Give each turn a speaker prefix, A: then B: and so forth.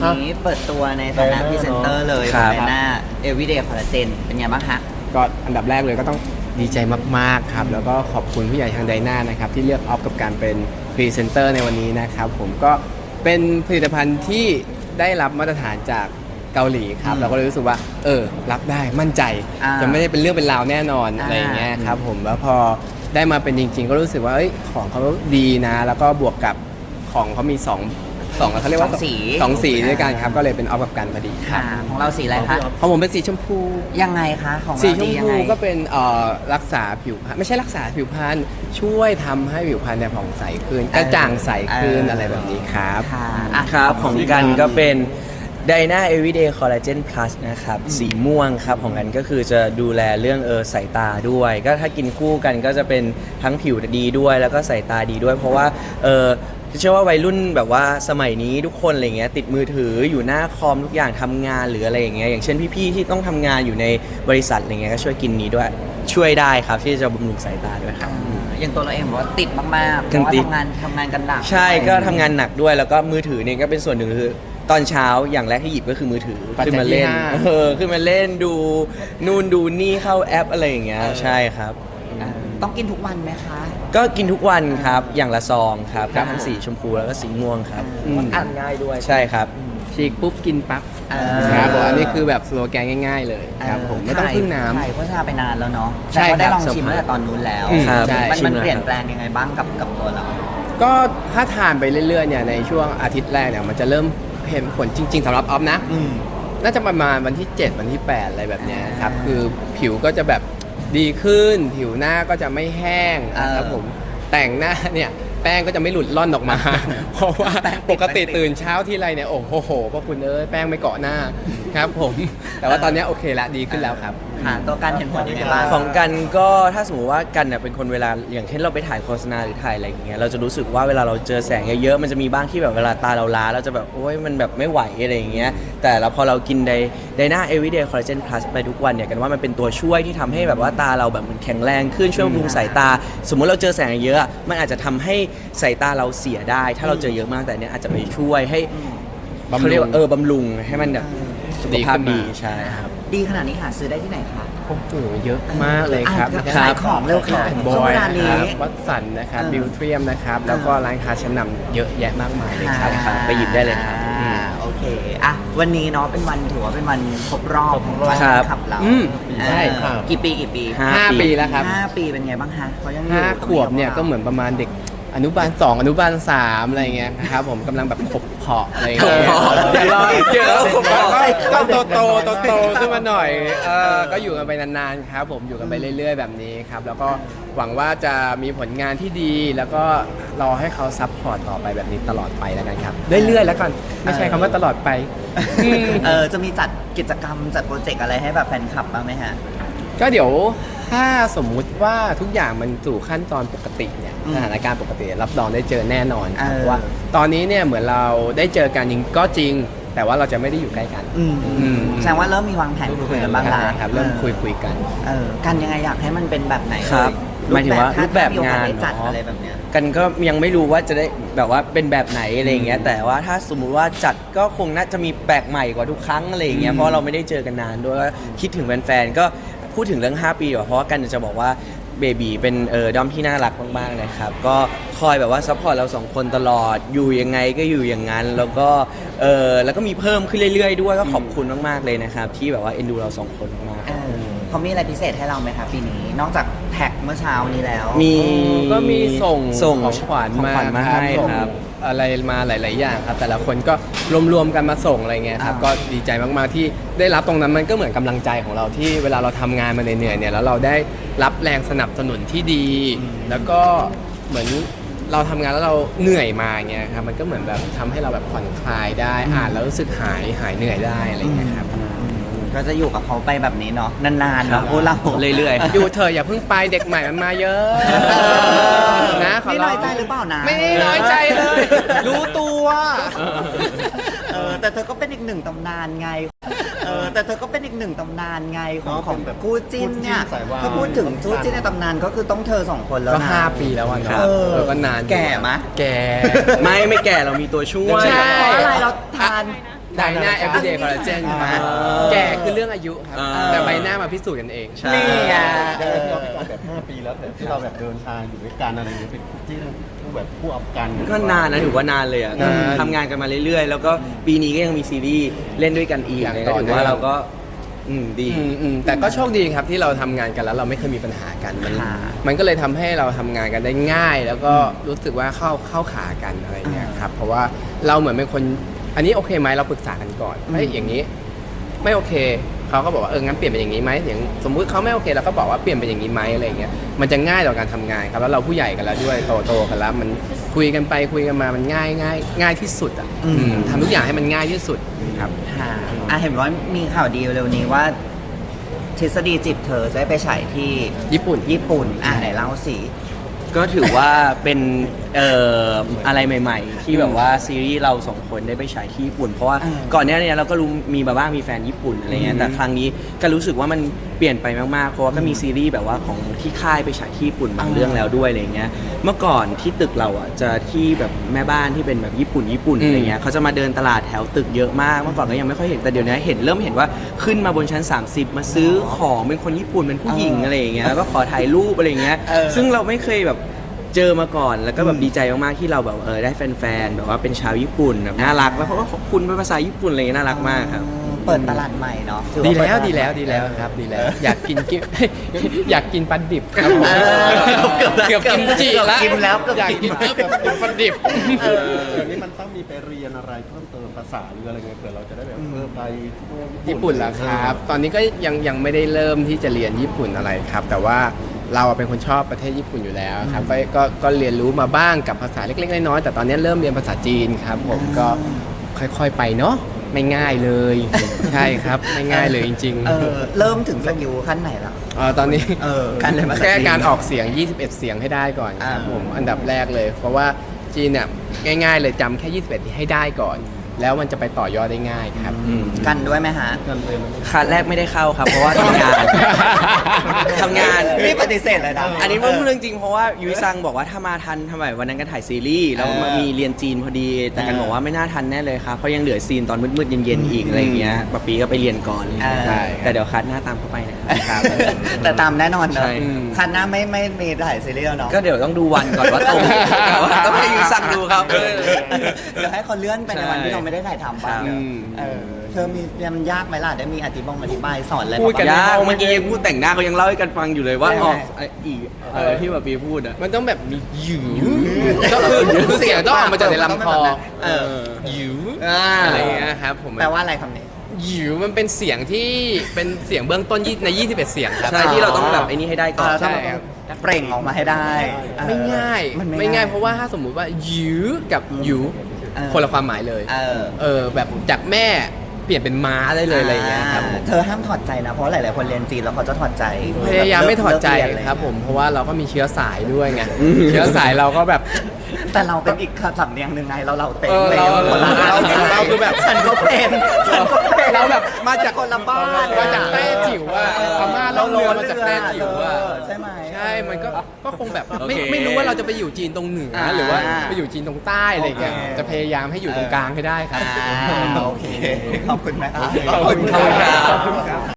A: นี้เปิดตัวในฐานะพรีเซนเตอร์เลย
B: ครับ
A: ในหน้า Everyday Collagen เป็นไงบ้างคะ
C: ก็อันดับแรกเลยก็ต้องดีใจมากๆครับแล้วก็ขอบคุณผู้ใหญ่ทางไดนานะครับที่เลือกออฟกับการเป็นพรีเซนเตอร์ในวันนี้นะครับผมก็เป็นผลิตภัณฑ์ที่ได้รับมาตรฐานจากเกาหลีครับเราก็เลยรู้สึกว่ารับได้มั่นใจ จะไม่ได้เป็นเรื่องเป็นราวแน่นอนอะไรอย่างเงี้ยครับผมแล้วพอได้มาเป็นจริงๆ ก็รู้สึกว่าของเขาดีนะแล้วก็บวกกับของเขามีสองเขาเรียกว่า
A: สองสี
C: สองสีด้วยกันครับก็เลยเป็นออฟกับกันพอดีครับ
A: ของเราสีอะไรคะ
C: ของผมเป็นสีชมพู
A: ยังไงคะของ
C: สี
A: เรา
C: ชม
A: ดียัง
C: พู
A: ไง
C: ก็เป็นรักษาผิวพรรณไม่ใช่รักษาผิวพรรณช่วยทำให้ผิวพรรณเนี่ยผ่องใสขึ้นกระจ่างใสขึ้นอะไรแบบนี้ครับ
A: ค่ะอ่ะ
B: ครับของกันก็เป็น Dyna Everyday Collagen Plus นะครับสีม่วงครับของกันก็คือจะดูแลเรื่องสายตาด้วย ก็ถ้ากินคู่กันก็จะเป็นทั้งผิวดีด้วยแล้วก็สายตาดีด้วย เพราะว่าเชื่อว่าวัยรุ่นแบบว่าสมัยนี้ทุกคนอะไรเงี้ยติดมือถืออยู่หน้าคอมทุกอย่างทำงานหรืออะไรอย่างเงี้ยอย่างเช่นพี่ๆที่ต้องทำงานอยู่ในบริษัทอะไรเงี้ยก็ช่วยกินนี้ด้วยช่วยได้ครับที่จะบำรุงสายตาด้วยครับ
A: อย่างตัวเราเองบอกว่าติดมากๆเพ
B: กัน
A: ราะว่า
B: ติด
A: ทำงานกันหนัก
B: ใช่ก็ทำงานหนักด้วยแล้วก็มือถือเนี่ยก็เป็นส่วนหนึ่งคือตอนเช้าอย่างแรกที่หยิบก็คือมือถือ
C: ปัจจัย
B: ขึ้นมาเล่น
C: ที่ห้า
B: ขึ้นมาเล่นดูนู่นดูนี่เข้าแอปอะไรอย่างเงี้ยใช่ครับ
A: ต้องกินทุกวันไหมคะ
B: ก็กินทุกวันครับอย่างละซองครับทั้งสีชมพูแล้วก็สีม่วงครับ
A: อ่านง่ายด้วย
B: ใช่ครับ
C: ฉีกปุ๊บกินปั๊บ
A: เออ
C: ครับผมอันนี้คือแบบสโลแกนง่ายๆเลยครับผมไม่ต้องพึ่งน้ำ
A: ถ่ายโฆษณาไปนานแล้วเนาะ
C: ใช่
A: แต่ก็ได้
C: ครับ
A: ลองชิมตั้งแต่ตอนนู้นแล้ว
B: ครับ
C: ใช่
A: มัน
B: ชิมแล้ว
A: เปลี่ยนแปลงยังไงบ้างกับตัวเรา
C: ก็ถ้าทานไปเรื่อยๆเนี่ยในช่วงอาทิตย์แรกเนี่ยมันจะเริ่มเห็นผลจริงๆสำหรับออฟนะ น่าจะประมาณวันที่ 7 วันที่ 8 อะไรแบบเนี้ยครับคือผิวก็จะแบบดีขึ้น ผิวหน้าก็จะไม่แห้งนะครับผมแต่งหน้าเนี่ยแป้งก็จะไม่หลุดล่อนออกมา เพราะว่าปกติตื่นเช้าที่ไรเนี่ยโอ้โหพระคุณแป้งไม่เกาะหน้าครับผมแต่ว่าตอนนี้โอเคละดีขึ้นแล้วครับ
A: ตัวการเห็นผลยังไงบ้าง
B: ของกันก็ถ้าสมมติว่ากันเนี่ยเป็นคนเวลาอย่างเช่นเราไปถ่ายโฆษณาหรือถ่ายอะไรอย่างเงี้ยเราจะรู้สึกว่าเวลาเราเจอแสงเยอะๆมันจะมีบ้างที่แบบเวลาตาเราล้าเราจะแบบโอ๊ยมันแบบไม่ไหวอะไรอย่างเงี้ยแต่เราพอเรากินไดนา Everyday Collagen Plus ไปทุกวันเนี่ยกันว่ามันเป็นตัวช่วยที่ทำให้แบบว่าตาเราแบบมันแข็งแรงขึ้นช่วยบำรุงสายตา สมมุติเราเจอแสงเยอะมันอาจจะทำให้สายตาเราเสียได้ ถ้าเราเจอเยอะมากแต่เนี้ยอาจจะไปช่วยให้
C: บำรุง
B: เขาเรียกว่าบำรุงให้มันแบบสุขภาพดีใช่ครับ
A: ดีขนาดนี้หาซื้อได้ที่ไหนคะ
C: โอ้โหเยอะมากเลยครับ
A: ขายของเร็วค่ะ
C: บอ
A: ช่วง
C: ย
A: เวลา
C: นะ
A: นี้
C: ครับวัดสันนะครับบิวเทียมนะครับแล้วก็ร้านค้าชั้นนำเยอะแยะมากมายเลยครับ
B: ไปหยิบได้เลยครับ
A: โอเคอ่ะวันนี้เนาะเป็นวันถือว่าเป็นวันครบรอบวัน
B: ครับ
A: ขับเรา
C: ใช่ครับ
A: กี่ปี
C: 5 ปีแล้วครับ
A: 5 ปีเป็นไงบ้างคะเขายังอยู่
C: 5 ขวบเนี่ยก็เหมือนประมาณเด็กอนุบาล 2 อนุบาล 3 อะไรเงี้ยครับผมกำลังแบบขบเพาะอะไรเงี้ย
B: ขบเพาะ
C: เดี๋ยวรอ
B: เดี๋ยวขบเพาะ
C: ก็โตขึ้นมาหน่อยก็อยู่กันไปนานๆครับผมอยู่กันไปเรื่อยๆแบบนี้ครับแล้วก็หวังว่าจะมีผลงานที่ดีแล้วก็รอให้เขาซัพพอร์ตต่อไปแบบนี้ตลอดไปแล้วกันครับเรื่อยๆแล้วกันไม่ใช่คำว่าตลอดไป
A: จะมีจัดกิจกรรมจัดโปรเจกต์อะไรให้แบบแฟนคลับบ้างไหมฮะ
C: ก็เดี๋ยวถ้าสมมุติว่าทุกอย่างมันสู่ขั้นตอนปกติเนี่ยสถานการณ์ปกติรับรองได้เจอแน่นอนครับเพราะว่าตอนนี้เนี่ยเหมือนเราได้เจอกันจริงก็จริง แต่ว่าเราจะไม่ได้อยู่ใกล้กัน
A: แสดงว่าเริ่มมีวางแผนคุยกันบ้างแล้ว
C: ครับเริ่มคุยกัน
A: กันยังไงอยากให้มันเป็นแบบไหน
B: ครับ
A: เล
B: หมายถึงว่ารูปแบบงาน
A: ถ้มีโอกสได้จัด
B: เนอะ
A: อะไรแบบเนี้ย
B: กันก็ยังไม่รู้ว่าจะได้แบบว่าเป็นแบบไหนอะไรอย่างเงี้ยแต่ว่าถ้าสมมุติว่าจัดก็คงน่าจะมีแปลกใหม่กว่าทุกครั้งอะไรอย่างเงี้ยเพราะเราไม่ได้เจอกันนานด้วยก็คิดถึงแฟนๆก็พูดถึงเรื่อง 5 ปีก่อนเพราะว่ากันจะบอกว่าเบบีเป็นด้อมที่น่ารักมากๆนะครับก็คอยแบบว่าซัพพอร์ตเราสองคนตลอดอยู่ยังไงก็อยู่อย่างนั้นแล้วก็แล้วก็มีเพิ่มขึ้นเรื่อยๆด้วยก็ขอบคุณมากๆเลยนะครับที่แบบว่าเอ็นดูเราสองคนมากๆ
A: เขามีอะไรพิเศษให้เราไหมคะปีนี้ นอกจากแท็กเมื่อเช้านี้แล้ว
B: มี
C: ก็มีส่ง
B: ส่ง
C: ของขวัญ
B: ของขวัญมาให้
C: ส่ง
B: ครับ
C: อะไรมาหลาย ๆ อย่างครับ แต่ละคนก็รวมๆกันมาส่งอะไรเงี้ยครับก็ดีใจมากๆที่ได้รับตรงนั้นมันก็เหมือนกำลังใจของเราที่เวลาเราทำงานมาเหนื่อยๆเนี่ยแล้วเราได้รับแรงสนับสนุนที่ดี แล้วก็เหมือนเราทำงานแล้วเราเหนื่อยมาเงี้ยครับมันก็เหมือนแบบทำให้เราแบบผ่อนคลายได้อ่านแล้วรู้สึกหายเหนื่อยได้อะไรเงี้ยครับ
A: ก็จะอยู่กับเขาไปแบบนี้เนาะนานๆเนาะพวกเรา
B: เรื่อยๆ
C: อยู่เธอะอย่าเพิ่งไปเด็กใหม่มันมาเยอะนะขอ
A: นี่
C: ร้
A: น้อยใจหรือเปล่านะ
C: ไม่ได้น้อยใจเลย รู้ตัว
A: แต่เธอก็เป็นอีกหนึ่งตำนานไงแต่เธอก็เป็นอีกหนึ่งตำนานไงของแบบคู่จิ้นเนี่ยถ้าพูดถึงคู่จิ้นในตำนานก็คือต้องเธอสองคนแล้ว
C: ก็
A: นะ
C: 5 ปีแล้วอ่ะเนาะ
A: เออ
C: ก็นาน
A: แก่มะ
C: แก่
B: ไม่แก่เรามีตัวช่วย
C: ใช่
A: เพราะอะไรเราทาน
C: ไดนา everyday collagen ครับแก่คือเรื่องอายุครับ แต่ใบหน้ามาพิสูจน์กันเอง
B: ใช่
A: นี่ไง
D: เดินย้อนไปก่อนแบบ 5 ปีแล้วแต่ที่เราแบบเดินทางอยู่ด้วยกันอะไรอย่างเงี้ยเป็นคู่จิ้นคู่แบบคู่อัพกัน
B: ก็นานนะถือว่านานเลยอ่ะ
C: นาน
B: ทำงานกันมาเรื่อยๆ แล้วก็ปีนี้ก็ยังมีซีรีส์เล่นด้วยกันอีก
C: อย่าง
B: เลย
C: ต่
B: ก็
C: อ
B: ถือ
C: เนื่อง
B: ว่าเราก็ดี
C: แต่ก็โชคดีครับที่เราทำงานกันแล้วเราไม่เคยมีปัญหากันมันก็เลยทำให้เราทำงานกันได้ง่าย แล้วก็รู้สึกว่าเข้าขากันอะไรเงี้ยครับเพราะว่าเราเหมือนเป็นคนอันนี้โอเคไหมเราปรึกษากันก่อนเฮ้ยอย่างนี้ไม่โอเคเขาก็บอกว่างั้นเปลี่ยนเป็นอย่างนี้ไหมอย่างสมมุติเขาไม่โอเคเราก็บอกว่าเปลี่ยนเป็นอย่างนี้ไหมอะไรเงี้ยมันจะง่ายต่อการทำงานครับแล้วเราผู้ใหญ่กันแล้วด้วยโตกันแล้วมันคุยกันไปคุยกันมามันง่ายที่สุดอ่ะทำทุกอย่างให้มันง่ายที่สุดครับ
A: ค่ะเห็นว่ามีข่าวดีเร็วนี้ว่า ทฤษฎีจิตเธอจะได้ไปฉายที่
C: ญี่ปุ่น
A: ไหนเล่าสิ
B: ก็ถือว่าเป็นอะไรใหม่ๆ ที่แบบว่าซีรีส์เราสองคนได้ไปฉายที่ญี่ปุ่น เพราะว่าก่อนหน้านี้เราก็รู้มีมาบ้างมีแฟนญี่ปุ่นอะไรเงี้ยแต่ครั้งนี้ก็รู้สึกว่ามันเปลี่ยนไปมากๆเพราะว่าก็มีซีรีส์แบบว่าของที่ค่ายไปฉายที่ญี่ปุ่นบางเรื่องแล้วด้วยอะไรเงี้ยเมื่อก่อนที่ตึกเราอ่ะจะที่แบบแม่บ้านที่เป็นแบบญี่ปุ่นอะไรเงี้ยเขาจะมาเดินตลาดแถวตึกเยอะมากเมื่อก่อนก็ยังไม่ค่อยเห็นแต่เดี๋ยวนี้เริ่มเห็นว่าขึ้นมาบนชั้น 30 มาซื้อของเป็นคนญี่ปุ่นเป็นผู้หญิงอะไรอย่างเงี้ยแล้วก็ขอถ่ายรูปอะไรเงี้ยซึ่งเราไม่เคยแบบเจอมาก่อนแล้วก็แบบดีใจมากๆที่เราแบบได้แฟนๆแบบว่าเป็นชาวญี่ปุ่นแบบน่ารักแล้วเขาก็ขอบคุณเป็นภาษาญี่ปุ่นอะไรเงี้ยน่ารักมากครับ
A: เปิดตลาดใหม่เนาะถือ
C: ดี
A: ว่า
C: แล้ว
A: เปิ
C: ดี
A: ตา
C: แล้ว
A: ใหม่
C: ดีแล้วครับดีแล้ว อยากกิน อยากกินปลาดิบครับผม
A: เกือบ
C: กินจิละ
A: กินแล้วเกือบ
C: อยาก
A: กิ
C: กิ
A: น
C: นปลาดิบ
D: อย่างนี้มันต้องมีไปเรียนอะไรเพิ่มเติมภาษาหรืออะไรเงี้ยเผื่อเราจะได้แบบไป
C: ญี่ปุ่นเหรอครับ ตอนนี้ก็ยังไม่ได้เริ่มที่จะเรียนญี่ปุ่นอะไรครับ แต่ว่าเราเป็นคนชอบประเทศญี่ปุ่นอยู่แล้วครับก็เรียนรู้มาบ้างกับภาษาเล็กๆน้อยๆแต่ตอนนี้เริ่มเรียนภาษาจีนครับผมก็ค่อยๆไปเนาะไม่ง่ายเลย ใช่ครับไม่ง่ายเลยจริง
A: เริ่มถึงสกิลขั้นไหนแล้ว
C: ตอนนี้
A: การเรียนภาษาจีน
C: แค่การออกเสียง 21 เสียงให้ได้ก่อนครับผมอันดับแรกเลย เพราะว่าจีนเนี่ยง่ายๆเลยจำแค่ 21 ให้ได้ก่อน แล้วมันจะไปต่อยอดได้ง่ายครับ
A: กันด้วยไหมฮะ
B: คลาสแรกไม่ได้เข้าครับ เพราะว่าทำงาน ทำงาน
A: นี่ปฏิเสธเลยนะ
B: อันนี้พูดเรื่องจริงเพราะว่ายุ้ยซังบอกว่าถ้ามาทันทำไมวันนั้นกันถ่ายซีรีส์แล้วมีเรียนจีนพอดี แต่กันบอกว่าไม่น่าทันแน่เลยครับเพราะยังเหลือซีนตอนมืดๆเย็นๆอีกอะไรอย่างเงี้ยปะปีก็ไปเรียนก่อน
A: ใช่
B: แต่เดี๋ยวคัดหน้าตามเข้าไปนะครับ
A: แต่ตามแน่นอนเนอะ
B: ใช่
A: คันหน้าไม่มีถ่ายซีรีส์แล้วเนาะ
B: ก็เดี๋ยวต้องดูวันก่อนว่าตรงแต่ว่าต้องให้ยุ้ยซังดูครับ
A: เดี๋ยวให้เขาเลื่อนไปในวันที่เราไม่ได้ถ่ายทำบ้าง
B: ครับ
A: เธอมีมันยากไหมล่ะได้มีอธิบายสอนอะไร
C: พูดกัน
A: บ้าง
B: ยากเมื่อกี้ยังพูดแต่งหน้าเขายังเล่าให้กันฟังอยู่เลยว่า
A: ใช่
B: ออกอีกที่แบบปีพูดอ่ะ
C: มันต้องแบบมีหยูก็คือเสียงต้องออกมาจากในลำคอหยูอะไรอย่างเงี้ยครับผม
A: แปลว่าอะไรคำนี้
C: หยูมันเป็นเสียงที่เป็นเสียงเบื้องต้นใน 21 เสียงครับ
B: ใช่ที่เราต้องแบบไอ้นี่ให้ได้ก่อน
C: ใช่ครับ
A: เปล่งออกมาให้ได้
C: ไม่ง่าย
A: มัน
C: ไม่ง่ายเพราะว่าถ้าสมมุติว่าหยูกับหยูคนละความหมายเลยแบบจากแม่เปลี่ยนเป็นม้าได้เลยอะไรอย่างเงี้ยครับผม
A: เธอห้ามถอดใจนะ เพราะหลายๆคนเรียนจีนแล้วเขาจะถอดใจ
C: พยายามไม่ถอดใจ
A: เลิกเยนเลย
C: ครับผมเพราะว่าเราก็มีเชื้อสายด้วยไงเชื้อสายเราก็แบบ
A: แต่เราเป็นอีกสำเนียงหนึ่งไงเราเต็ม
C: เรา
A: คนละ
C: เราคือแบบ
A: ฉันก็เป็น
C: เราแบบมาจาก
A: คนละบ้าน
C: มาจากแต้จิ๋วอะพม่าเราเรือมาจากแต้จิ๋วอะ
A: ใช่ไหม
C: ใช่มันก็คงแบบ
B: โอเค
C: ไม่รู้ว่าเราจะไปอยู่จีนตรงเหนือหรือว่าไปอยู่จีนตรงใต้อะไรอย่างเงี้ยจะพยายามให้อยู่ตรงกลางให้ได้ครับ
A: โอเค ขอบคุณไหมครับ
C: ขอบคุณครับ